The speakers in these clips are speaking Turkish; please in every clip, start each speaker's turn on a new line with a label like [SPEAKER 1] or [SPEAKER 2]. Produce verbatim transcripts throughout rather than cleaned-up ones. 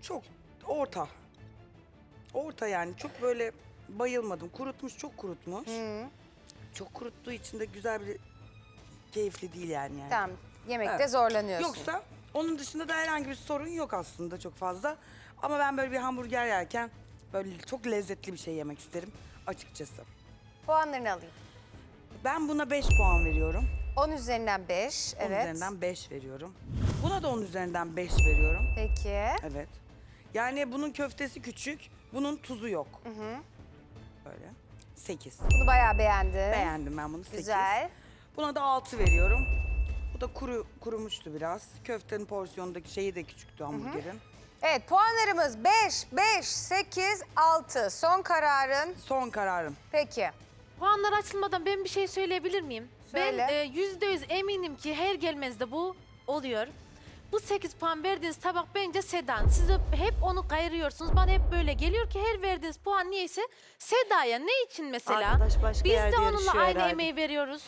[SPEAKER 1] Çok orta. Orta yani çok böyle bayılmadım. Kurutmuş, çok kurutmuş. Çok kuruttuğu için de güzel bir keyifli değil yani. yani.
[SPEAKER 2] Tamam. Yemekte
[SPEAKER 1] Evet.
[SPEAKER 2] zorlanıyorsun.
[SPEAKER 1] Yoksa onun dışında da herhangi bir sorun yok aslında çok fazla. Ama ben böyle bir hamburger yerken böyle çok lezzetli bir şey yemek isterim açıkçası.
[SPEAKER 2] Puanlarını alayım.
[SPEAKER 1] Ben buna beş puan veriyorum.
[SPEAKER 2] on üzerinden beş.
[SPEAKER 1] on
[SPEAKER 2] Evet.
[SPEAKER 1] üzerinden beş veriyorum. Buna da on üzerinden beş veriyorum.
[SPEAKER 2] Peki.
[SPEAKER 1] Evet. Yani bunun köftesi küçük, bunun tuzu yok. Böyle. sekiz.
[SPEAKER 2] Bunu bayağı beğendim.
[SPEAKER 1] Beğendim ben bunu sekiz.
[SPEAKER 2] Güzel.
[SPEAKER 1] Buna da altı veriyorum. Bu da kuru kurumuştu biraz. Köftenin porsiyonundaki şeyi de küçüktü hamburgerin.
[SPEAKER 2] Evet, puanlarımız beş, beş, sekiz, altı. Son kararın.
[SPEAKER 1] Son kararım.
[SPEAKER 2] Peki.
[SPEAKER 3] Puanlar açılmadan ben bir şey söyleyebilir miyim?
[SPEAKER 2] Söyle.
[SPEAKER 3] Ben e, yüzde yüz eminim ki her gelmenizde bu oluyor. Bu sekiz puan verdiğiniz tabak bence Seda'nın. Siz de hep onu kayırıyorsunuz. Bana hep böyle geliyor ki her verdiğiniz puan niyeyse Seda'ya. Ne için mesela?
[SPEAKER 4] Arkadaş başka
[SPEAKER 3] Biz
[SPEAKER 4] yerde
[SPEAKER 3] de onunla
[SPEAKER 4] yarışıyor
[SPEAKER 3] aynı
[SPEAKER 4] herhalde.
[SPEAKER 3] emeği veriyoruz.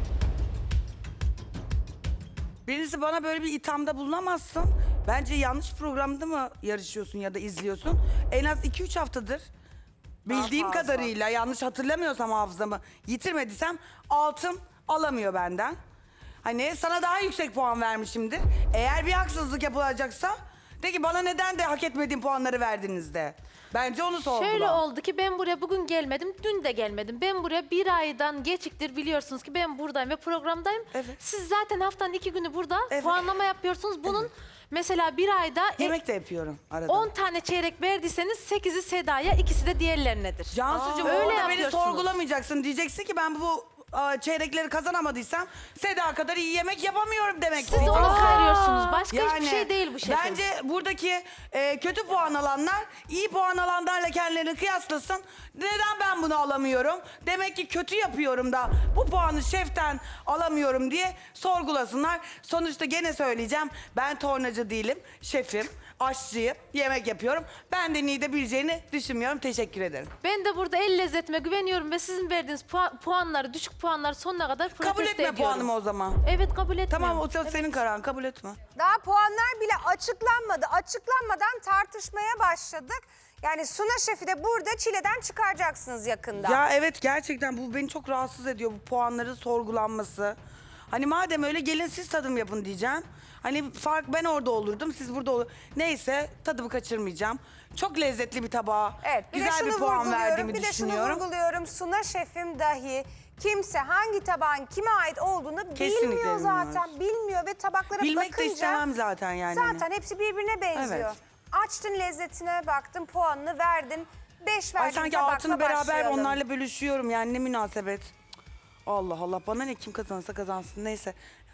[SPEAKER 1] Birisi bana böyle bir ithamda bulunamazsın. Bence yanlış programda mı yarışıyorsun ya da izliyorsun? En az iki üç haftadır bildiğim
[SPEAKER 2] fazla.
[SPEAKER 1] kadarıyla yanlış hatırlamıyorsam hafızamı yitirmediysem altın alamıyor benden. Hani sana daha yüksek puan vermişimdir. Eğer bir haksızlık yapılacaksa de ki bana neden de hak etmediğim puanları verdiniz de. Bence onu sorgula.
[SPEAKER 3] Şöyle oldu ki ben buraya bugün gelmedim, dün de gelmedim. Ben buraya bir aydan geçiktir biliyorsunuz ki ben buradayım ve programdayım.
[SPEAKER 1] Evet.
[SPEAKER 3] Siz zaten haftanın iki günü burada
[SPEAKER 1] Evet.
[SPEAKER 3] puanlama yapıyorsunuz. Bunun mesela bir ayda
[SPEAKER 1] Yemek de yapıyorum arada.
[SPEAKER 3] on tane çeyrek verdiyseniz sekizi Seda'ya, ikisi de diğerlerinedir.
[SPEAKER 1] Cansucuğum
[SPEAKER 3] Aa, öyle
[SPEAKER 1] orada beni
[SPEAKER 3] yapıyorsunuz.
[SPEAKER 1] sorgulamayacaksın. Diyeceksin ki ben bu a, çeyrekleri kazanamadıysam Seda kadar iyi yemek yapamıyorum demek.
[SPEAKER 3] Siz onu kayırıyorsunuz. Başka hiçbir şey değil bu şefim.
[SPEAKER 1] Bence buradaki e, kötü puan alanlar iyi puan alanlarla kendilerini kıyaslasın. Neden ben bunu alamıyorum? Demek ki kötü yapıyorum da bu puanı şeften alamıyorum diye sorgulasınlar. Sonuçta gene söyleyeceğim. Ben tornacı değilim. Şefim, aşçıyım, yemek yapıyorum. Ben de Nide bileceğini düşünmüyorum. Teşekkür ederim.
[SPEAKER 3] Ben de burada el lezzetime güveniyorum ve sizin verdiğiniz pua- puanları, düşük puanları sonuna kadar protesto
[SPEAKER 1] Kabul etme
[SPEAKER 3] ediyorum.
[SPEAKER 1] puanımı o zaman.
[SPEAKER 3] Evet, kabul etmiyorum.
[SPEAKER 1] Tamam o senin kararın, kabul etme.
[SPEAKER 2] Daha puanlar bile açıklanmadı. Açıklanmadan tartışmaya başladık. Yani Suna Şef'i de burada çileden çıkaracaksınız yakında.
[SPEAKER 1] Ya evet gerçekten bu beni çok rahatsız ediyor, bu puanların sorgulanması. Hani madem öyle gelin siz tadım yapın diyeceğim. Hani fark ben orada olurdum, siz burada olur. Neyse tadımı kaçırmayacağım. Çok lezzetli bir tabağa,
[SPEAKER 2] Evet, bir de
[SPEAKER 1] güzel
[SPEAKER 2] şunu
[SPEAKER 1] bir puan
[SPEAKER 2] vurguluyorum,
[SPEAKER 1] verdiğimi
[SPEAKER 2] bir de şunu
[SPEAKER 1] düşünüyorum.
[SPEAKER 2] vurguluyorum. Suna Şef'im dahi kimse hangi tabağın kime ait olduğunu
[SPEAKER 1] Kesinlikle
[SPEAKER 2] bilmiyor zaten.
[SPEAKER 1] bilmiyoruz.
[SPEAKER 2] Bilmiyor ve tabaklara
[SPEAKER 1] Bilmek
[SPEAKER 2] bakınca...
[SPEAKER 1] de istemem zaten yani. hani.
[SPEAKER 2] Zaten hepsi birbirine benziyor.
[SPEAKER 1] Evet.
[SPEAKER 2] Açtın lezzetine baktın, puanını verdin. Beş verdin
[SPEAKER 1] Ay sanki
[SPEAKER 2] tabakla
[SPEAKER 1] altını beraber
[SPEAKER 2] başlayalım.
[SPEAKER 1] onlarla bölüşüyorum yani ne münasebet. Allah Allah bana ne kim kazanırsa kazansın neyse.